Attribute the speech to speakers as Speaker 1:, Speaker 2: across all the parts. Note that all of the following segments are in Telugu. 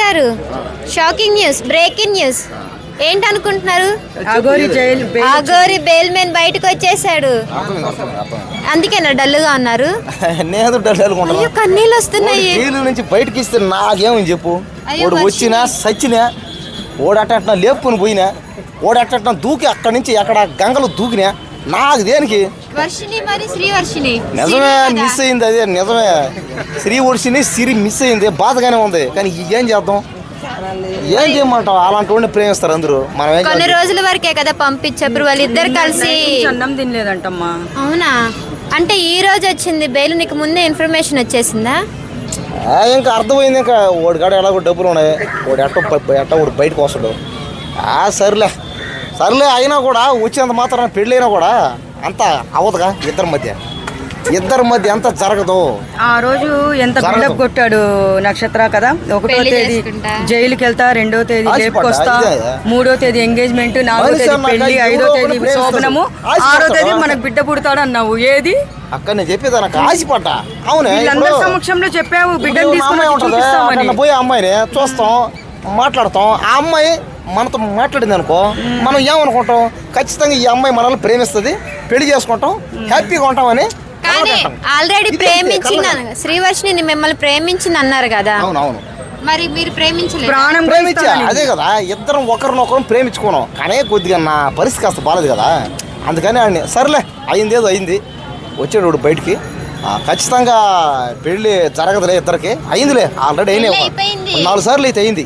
Speaker 1: గారు షాకింగ్ న్యూస్, బ్రేకింగ్ న్యూస్ ఏంటనుకుంటున్నారు? అఘోరి బెయిల్ మీద బయటకు వచ్చేసాడు. అందుకేనా డల్లుగా ఉన్నారు?
Speaker 2: జైలు నుంచి బయటకి ఇస్తే నాకేమని చెప్పు. వాడు వచ్చినా సచ్చినా ఓడట్ట లేపుకొని పోయినా ఓడట్ట దూకి అక్కడి నుంచి ఎక్కడ గంగలు దూకినా నాకు దేనికి? నిజమే, మిస్ అయింది. అదే నిజమే, శ్రీవర్షిని సిరి మిస్ అయింది, బాధగానే ఉంది. కానీ ఏం చేద్దాం, ఏం చేయమంటావు? అలాంటి వాడిని ప్రేమిస్తారు అందరూ. మనం
Speaker 1: కొన్ని రోజుల వరకే కదా పంపించారు, వాళ్ళిద్దరు కలిసి
Speaker 3: అన్నం తినలేదంటమ్మా.
Speaker 1: అవునా? అంటే ఈ రోజు వచ్చింది బెయిల్, నీకు ముందే ఇన్ఫర్మేషన్ వచ్చేసిందా?
Speaker 2: ఇంకా అర్థమైంది. ఇంకా వాడికాడ ఎలాగో డబ్బులు ఉన్నాయి, వాడు ఎట్ట వాడు బయటకు వస్తాడు. సర్లే సర్లే అయినా కూడా వచ్చేంత మాత్రం పెళ్ళైనా కూడా అంత అవ్వదుగా. ఇద్దరి మధ్య ఎంత జరగదు.
Speaker 3: ఆ రోజు ఎంత బిల్డప్ కొట్టాడు నక్షత్ర కదా. 1వ తేదీ జైలుకి వెళ్తా, 2వ తేదీ లేపుకొస్తా, 3వ తేదీ ఎంగేజ్మెంట్, 4వ తేదీ పెళ్లి, 5వ తేదీ శోభనము, 6వ తేదీ మనకు బిడ్డ పుడతాడు అన్నావు. ఏది
Speaker 2: అక్కడ నేను చెప్పేది నాకు ఆశపడ్డా. అవునే,
Speaker 3: వీళ్ళందరి సమక్షంలో చెప్పావు బిడ్డను తీసుకుని
Speaker 2: పోయి అమ్మాయిని చూస్తాం, మాట్లాడతాం. ఆ అమ్మాయి మనతో మాట్లాడింది అనుకో, మనం ఏమనుకుంటాం? ఖచ్చితంగా ఈ అమ్మాయి మనల్ని ప్రేమిస్తుంది, పెళ్లి చేసుకుంటాం, హ్యాపీగా ఉంటామని.
Speaker 1: ఆల్రెడీ ప్రేమించింది శ్రీవర్షిని, మిమ్మల్ని ప్రేమించింది అన్నారు కదా.
Speaker 2: అవునవును,
Speaker 1: మరి మీరు ప్రేమించలేదు?
Speaker 2: ప్రేమించా, అదే కదా, ఇద్దరం ఒకరినొకరం ప్రేమించుకున్నాం. కానీ కొద్దిగా నా పరిస్థితి కాస్త బాలేదు కదా, అందుకని ఆడిని సర్లే అయిందేదో అయింది, వచ్చాడు బయటికి. ఖచ్చితంగా పెళ్లి జరగదులే, ఇద్దరికి అయిందిలే, ఆల్రెడీ అయినా 4 సార్లు అయితే అయింది.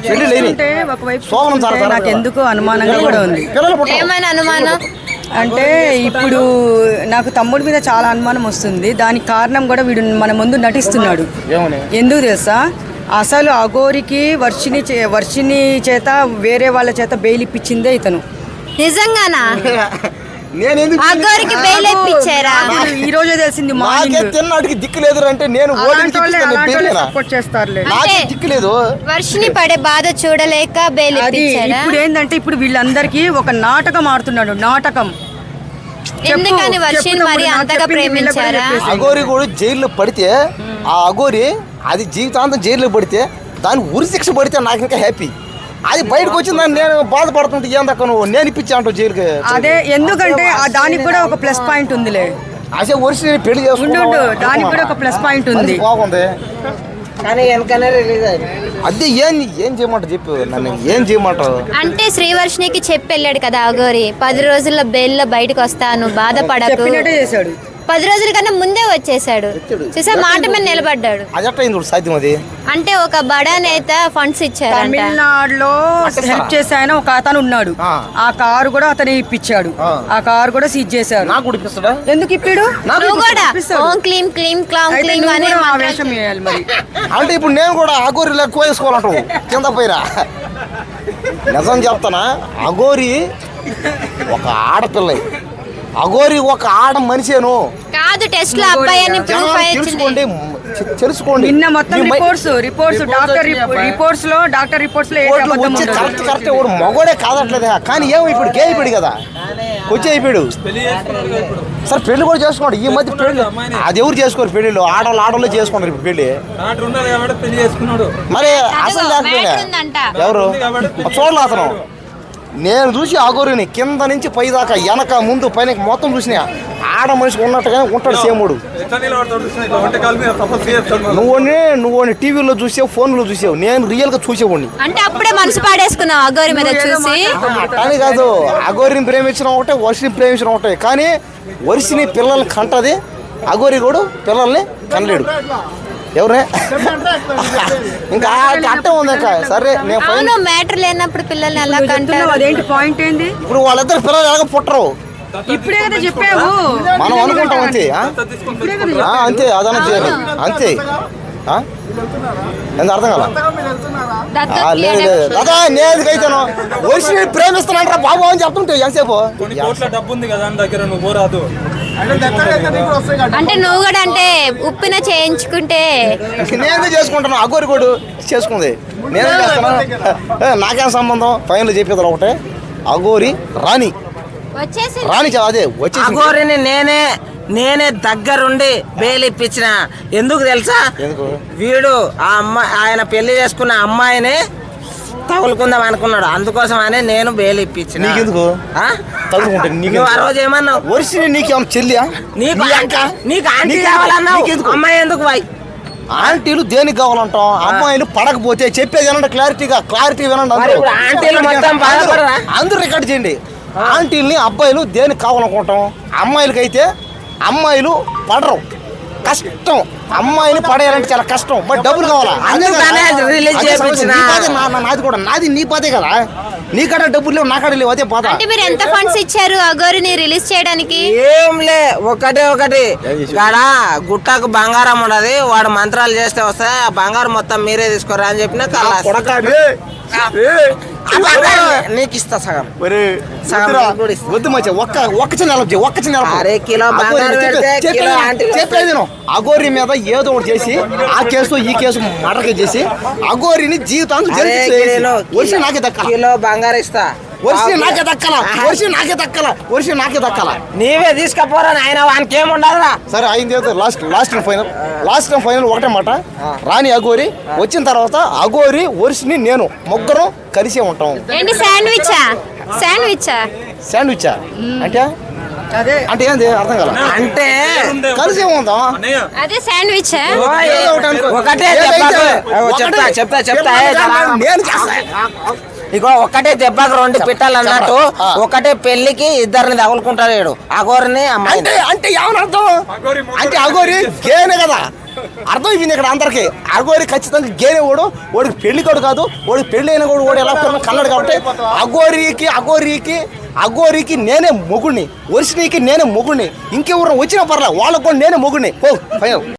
Speaker 2: శోభనం జరగదు.
Speaker 3: నాకు ఎందుకు అనుమానంగా కూడా ఉంది.
Speaker 1: ఏమైనా అనుమానం
Speaker 3: అంటే ఇప్పుడు నాకు తమ్ముడి మీద చాలా అనుమానం వస్తుంది. దానికి కారణం కూడా వీడు మన ముందు నటిస్తున్నాడు. ఎందుకు తెలుసా? అసలు అఘోరికి వర్షిని చేత వేరే వాళ్ళ చేత బెయిల్ ఇప్పించిందే ఇతను.
Speaker 1: నిజంగానా? అఘోరికి బెయిల్ ఇప్పించారా?
Speaker 3: ఈ రోజే తెలిసింది.
Speaker 2: తిన్నాడికి దిక్కు లేదు అంటే నేను
Speaker 3: సపోర్ట్ చేస్తారులే.
Speaker 2: దిక్కు లేదు,
Speaker 1: వర్షిని పడే బాధ చూడలేక బెయిల్ ఇప్పించారా?
Speaker 3: ఇప్పుడు ఏంటంటే ఇప్పుడు వీళ్ళందరికీ ఒక నాటకం ఆడుతున్నాడు. నాటకం.
Speaker 1: ఎందుకని వర్షిని మరి అంతగా ప్రేమించారా?
Speaker 2: అఘోరి కూడా జైల్లో పడితే, ఆ అఘోరి అది జీవితాంతం జైల్లో పడితే, దాని ఉరి శిక్ష పడితే నాకు ఇంకా హ్యాపీ. అది బయటకు వచ్చిందని నేను బాధపడుతుంటే ఏం దక్క నువ్వు నేను ఇప్పించా అంటావు జైలుకి.
Speaker 3: అదే ఎందుకంటే దానికి కూడా ఒక ప్లస్ పాయింట్ ఉందిలే.
Speaker 2: అసలు వర్షి పెళ్లి చేసుకుంటూ
Speaker 3: దానికి కూడా ఒక ప్లస్ పాయింట్ ఉంది.
Speaker 2: బాగుంది, కానీ వెనకనే రిలీజ్ అయ్యింది. అదే ఏం చేయమంటావు చెప్పు, నన్ను ఏం చేయమంటావు?
Speaker 1: అంటే శ్రీవర్షినికి చెప్పి వెళ్ళాడు కదా అఘోరి, 10 రోజుల్లో బెయిల్లో బయటకు వస్తాను, బాధపడకు
Speaker 3: చేశాడు.
Speaker 1: 10 రోజుల కన్నా ముందే వచ్చేసాడు. చూసా, మాట మీద నిలబడ్డాడు.
Speaker 2: సాధ్యం అది.
Speaker 1: అంటే ఒక బడా నేత ఫండ్స్ ఇచ్చారు.
Speaker 3: తమిళనాడులో హెల్ప్ చేసే ఆయన ఒక అతను ఉన్నాడు. ఆ కారు కూడా అతనే ఇప్పించాడు. ఆ కారు కూడా సీజ్ చేశారు. ఎందుకు ఇప్పాడు?
Speaker 2: అంటే ఇప్పుడు నేను కూడా అఘోరి లెక్క వేసుకోవాలంటావు కింద పోయిరా. నిజం చెప్తానా, అఘోరి ఒక ఆడపిల్ల, అఘోరి ఒక ఆడ మనిషేను
Speaker 1: కాదు. టెస్ట్ లో అబ్బాయి అని
Speaker 2: తెలుసుకోండి.
Speaker 3: నిన్న మొత్తం రిపోర్ట్స్ డాక్టర్ రిపోర్ట్స్ లో
Speaker 2: కరెక్ట్ వాడు మగోడే కాదట్లేదా. కానీ ఏమో ఇప్పుడు గే అయిపోయాడు కదా, వచ్చి అయిపోయాడు. సరే పెళ్లి కూడా చేసుకోండి. ఈ మధ్య పెళ్లి అది ఎవరు చేసుకోరు, పెళ్లిలో ఆడవాళ్ళు చేసుకుంటారు ఇప్పుడు పెళ్లి. మరి అసలు ఎవరు చూడలే అతను. నేను చూసి అఘోరిని కింద నుంచి పై దాకా, వెనక ముందు పైన మొత్తం చూసినా ఆడ మనిషి ఉన్నట్టుగానే ఉంటాడు సేముడు. నువ్వు టీవీలో చూసావు, ఫోన్లో చూసావు, నేను రియల్ గా చూసేవాడిని.
Speaker 1: అంటే అప్పుడే మనసు పాడేసుకున్నావు అఘోరి మీద చూసి?
Speaker 2: కానీ కాదు, అఘోరిని ప్రేమించడం ఒకటే, వర్షిని ప్రేమించడం ఒకటే. కానీ వర్షిని పిల్లల్ని కంటది, అఘోరి కూడా పిల్లల్ని కనలేడు. ఎవరే ఇంకా అట్టే ఉంది. ఇంకా సరే
Speaker 1: నేను మ్యాటర్ లేనప్పుడు పిల్లల్ని ఎలా కంటారు?
Speaker 3: అదేంటి పాయింట్ ఏంది?
Speaker 2: ఇప్పుడు వాళ్ళిద్దరు పిల్లలు ఎలాగ పుట్టరు,
Speaker 3: ఇప్పుడే కదా చెప్పావు.
Speaker 2: మనం అనుకుంటాం అంతే అంతే, అదన చేయాలి అంతే. ఎంత అర్థం కదా? లేదు లేదు కదా, నేనైతేను వయసు ప్రేమిస్తానంటారా బాబు అని చెప్తుంటే ఎంతసేపు.
Speaker 1: అంటే నువ్వు కూడా అంటే ఉప్పిన చేయించుకుంటే
Speaker 2: నేను చేసుకుంటాను, అఘోరి కూడా చేసుకుంది, నేనే చేస్తాను. నాకేం సంబంధం? ఫైనల్ చెప్పేది ఒకటే, అఘోరి రాణి
Speaker 1: వచ్చేసి
Speaker 2: అదే వచ్చేసి
Speaker 4: అఘోరిని నేనే నేనే దగ్గరుండి బెయిల్ ఇప్పించిన. ఎందుకు తెలుసా?
Speaker 2: ఎందుకు?
Speaker 4: వీడు ఆ అమ్మాయి, ఆయన పెళ్లి చేసుకున్న అమ్మాయిని తగులుకుందాం అనుకున్నాడు. అందుకోసం అని నేను బెయిల్ ఇప్పించిన.
Speaker 2: నీకెందుకు
Speaker 4: ఆ?
Speaker 2: తగులుకుంటే
Speaker 4: నువ్వు ఆ రోజు ఏమన్నావు?
Speaker 2: వర్షిని నీకేమన్నా చెల్లియా?
Speaker 4: నీకు ఆంటీ కావాలన్నావు. అమ్మాయి ఎందుకు బాయ్?
Speaker 2: ఆంటీలు దేనికి కావాలంటాం? అమ్మాయిలు పడకపోతే చెప్పేది వినండి, క్లారిటీ వినండి.
Speaker 4: మరి ఇప్పుడు ఆంటీలు మొత్తం బాధపడరా?
Speaker 2: అందరూ రికార్డ్ చేయండి. ఆంటీల్ని అబ్బాయిలు దేనికి కావాలనుకుంటాం? అమ్మాయిలకైతే అమ్మాయిలు పడరు, కష్టం. అమ్మాయిని పడేయాలంటే చాలా కష్టం, బట్ డబ్బులు కావాలా?
Speaker 4: అందుకనే రిలీజ్ చేయించిన.
Speaker 2: నాది కూడా, నాది నీ బాధే కదా. నీ కాడ డబ్బులు లేవు, నా కాడ లేవు, అదే బాధ.
Speaker 1: అంటే మీరు ఎంత ఫండ్స్ ఇచ్చారు అఘోరిని రిలీజ్ చేయడానికి?
Speaker 4: ఏంలే, ఒకటి గాడ గుట్టకు బంగారం ఉన్నది, వాడు మంత్రాలు చేస్తే వస్తాయి, ఆ బంగారం మొత్తం మీరే తీసుకోరా అని చెప్పిన నీకు ఇస్తా సగం.
Speaker 2: వద్దు మధ్య ఒక్క చిన్న
Speaker 4: అరే కిలో బంగారం పెడితే కిలో ఆంటీ
Speaker 2: చెప్పేది అఘోరి మీద ఏదో ఒకటి చేసి, ఆ కేసు ఈ కేసు మర్డర్ కేసు చేసి అఘోరిని జీవితాంతం వర్షం నాకే దక్కాల.
Speaker 4: కిలో బంగారం ఇస్తా.
Speaker 2: వర్షం నాకే దక్కాల.
Speaker 4: నీవే తీసుకపోరా ఆయన, వానికి ఏముండదురా.
Speaker 2: సరే అయింది. లాస్ట్ అండ్ ఫైనల్ ఒకటే మాట. రాని అఘోరి వచ్చిన తర్వాత అఘోరి వర్షిని నేను ముగ్గురం కలిసే ఉంటాం.
Speaker 1: ఏంటి
Speaker 2: శాండ్విచ్ అంటే
Speaker 3: అదే
Speaker 2: అంటే ఏంది అర్థం కాల.
Speaker 4: అంటే
Speaker 2: కలిసే ఉంటాం.
Speaker 1: అదే శాండ్విచ్.
Speaker 4: ఒకటే చెప్తా
Speaker 2: నేను చేస్తా.
Speaker 4: ఇగో ఒక్కటే దెబ్బకు రెండు పిట్టలు అన్నట్టు, ఒకటే పెళ్లికి ఇద్దరిని తగులుకుంటాడు అఘోరిని అమ్మాయి.
Speaker 2: అంటే ఏమని అర్థం? అంటే అఘోరి గేనే కదా అర్థం అయిపోయింది ఇక్కడ అందరికి. అఘోరి ఖచ్చితంగా గేనే వాడికి పెళ్లి కొడు కాదు, వాడికి పెళ్లి అయిన కూడా వాడు ఎలా కన్నాడు. కాబట్టి అఘోరికి నేనే మొగుడిని, వర్షినికి నేనే మొగుడిని. ఇంకెవరు వచ్చినా పర్లే, వాళ్ళకు కూడా నేనే మొగుడిని.